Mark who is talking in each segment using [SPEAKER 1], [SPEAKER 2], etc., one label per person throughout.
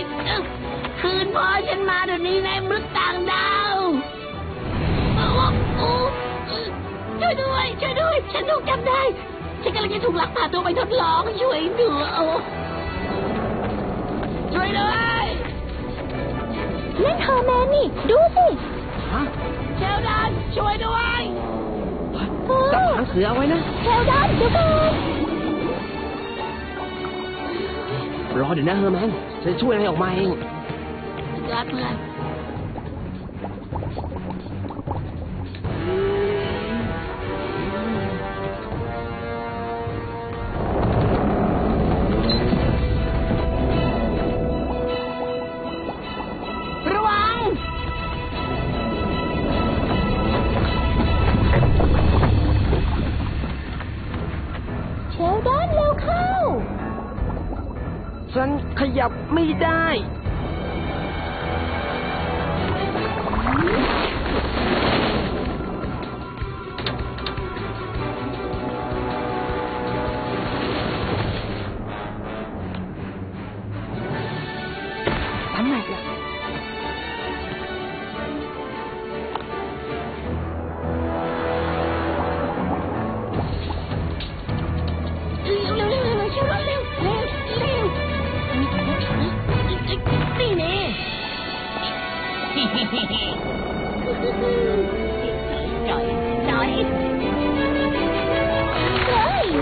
[SPEAKER 1] คืนพ่อฉันมาเดี๋ยวนี้นายมนุษย์ต่างดาวช่วยด้วยช่วยด้วยฉันถูกจับได้ฉันกำลังจะถูกลักพาตัวไปทดลองช่วยด้วยช่วยด้วย
[SPEAKER 2] นั่นเธอแมนนี่ดูสิ
[SPEAKER 3] ฮะ
[SPEAKER 1] เชลดอนช่วยด้วย
[SPEAKER 3] จับหางเสือเอาไว้นะ
[SPEAKER 2] เชลดอนเดี๋ยวก่อน
[SPEAKER 3] รอเดี๋ยวนะเฮอร์แมนฉันจะช่วยอะไรออกมาเอง
[SPEAKER 1] ยอดเพื่อนระวัง
[SPEAKER 2] เชลดอนเร็วเข้า
[SPEAKER 3] ฉันขยับไม่ได้ ทำไมล่ะ
[SPEAKER 1] เร็วเร็วเร็วเร็วเร็วเร็วเร็วเร็วนี่แน่จ่อยจ่อย
[SPEAKER 2] เฮ้ย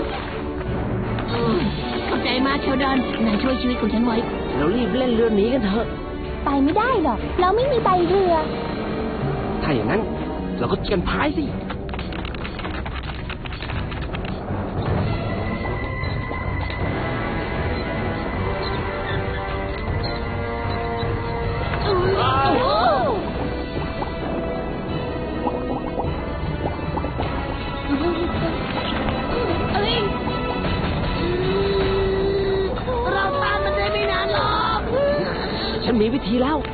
[SPEAKER 1] ขอบใจมากเชลดอนนายช่วยชีวิตของฉันไว้
[SPEAKER 3] เรารีบเล่นเรือหนีกันเถอะ
[SPEAKER 2] ไปไม่ได้หรอก เราไม่มีใบเรือ
[SPEAKER 3] ถ้าอย่างนั้น เราก็กันพายสิ
[SPEAKER 1] เอ้ยเราตามมันได้ไม่นานหรอก
[SPEAKER 3] ฉันมีวิธีแล้ว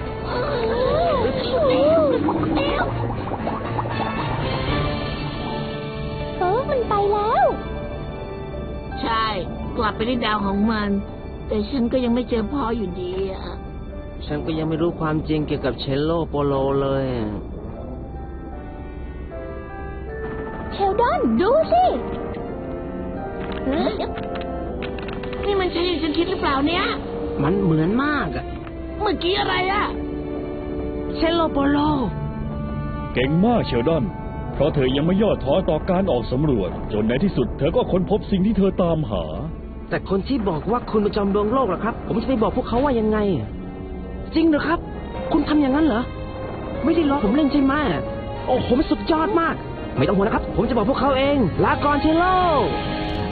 [SPEAKER 2] มันไปแล้ว
[SPEAKER 1] ใช่กลับไปที่ดาวของมัน แต่ฉันก็ยังไม่เจอพ่ออยู่ดีอะ
[SPEAKER 3] ฉันก็ยังไม่รู้ความจริงเกี่ยวกับเชลโลโปโลเลย
[SPEAKER 2] เชลดอนดูสิ
[SPEAKER 1] นี่มันใช่อย่างฉันคิดหรือเปล่าเนี่ย
[SPEAKER 3] มันเหมือนมากอะ
[SPEAKER 1] เมื่อกี้อะไรอะ
[SPEAKER 3] เชลโลโปโล
[SPEAKER 4] เก่งมากเชลดอน เพราะเธอยังไม่ย่อท้อต่อการออกสำรวจ จนในที่สุดเธอก็ค้นพบสิ่งที่เธอตามหา
[SPEAKER 3] แต่คนที่บอกว่าคุณเป็นจอมดวงโลกเหรอครับ ผมจะไปบอกพวกเขาว่ายังไง จริงเหรอครับ คุณทำอย่างนั้นเหรอ ไม่ได้ล้อผมเล่นใช่ไหมโอ้ผมสุดยอดมาก ไม่ต้องห่วงนะครับ ผมจะบอกพวกเขาเอง ลาก่อนเชลโล